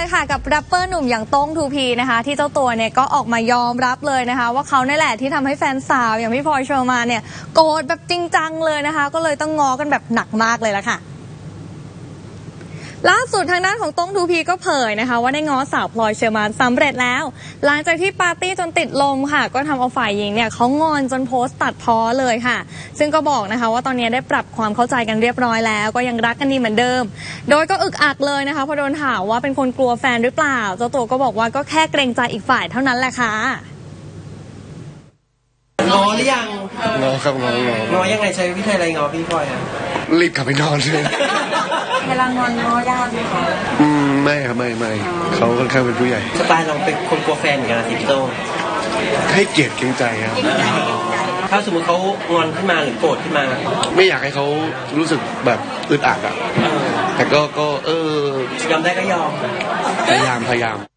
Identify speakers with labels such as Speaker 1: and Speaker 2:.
Speaker 1: เลยค่ะกับแรปเปอร์หนุ่มอย่างโต้ง 2P นะคะที่เจ้าตัวเนี่ยก็ออกมายอมรับเลยนะคะว่าเขาเนี่ยแหละที่ทำให้แฟนสาวอย่างพี่พลอยเชอร์มานเนี่ยโกรธแบบจริงจังเลยนะคะก็เลยต้องง้อกันแบบหนักมากเลยละค่ะล่าสุดทางด้านของโต้ง 2P ก็เผยนะคะว่าได้ง้อสาวพลอยเชอร์มานสำเร็จแล้วหลังจากที่ปาร์ตี้จนติดลมค่ะก็ทำเอาฝ่ายหญิงเนี่ยเขางอนจนโพสต์ตัดพ้อเลยค่ะซึ่งก็บอกนะคะว่าตอนนี้ได้ปรับความเข้าใจกันเรียบร้อยแล้วก็ยังรักกันดีเหมือนเดิมโดยก็อึกอักเลยนะคะพอโดนถามว่าเป็นคนกลัวแฟนหรือเปล่าเจ้าตัวก็บอกว่าก็แค่เกรงใจอีกฝ่ายเท่านั้นแหละค่ะ
Speaker 2: ง้อหรือยัง
Speaker 3: ง้อครับง้อ
Speaker 2: ยังไงใช้วิธีอะไรง้อพี่พลอยอ่ะ
Speaker 3: รีบกลับไปนอนเลย
Speaker 1: เวลางอนง้อยากไหมคะ
Speaker 3: ไม่ครับไม่เขาค่อนข้างเป็นผู้ใหญ่
Speaker 2: สไตล์เราเป็นคนกลัวแฟนเหมือนกันนะพี่โต้
Speaker 3: ให้เกียรติเกรงใจครับ
Speaker 2: ถ้าสมมติเขางอนขึ้นมาหรือโกรธขึ้นมา
Speaker 3: ไม่อยากให้เขารู้สึกแบบอึดอัดอ่ะแต่ก็
Speaker 2: ยอมได้ก็ยอม
Speaker 3: พยายาม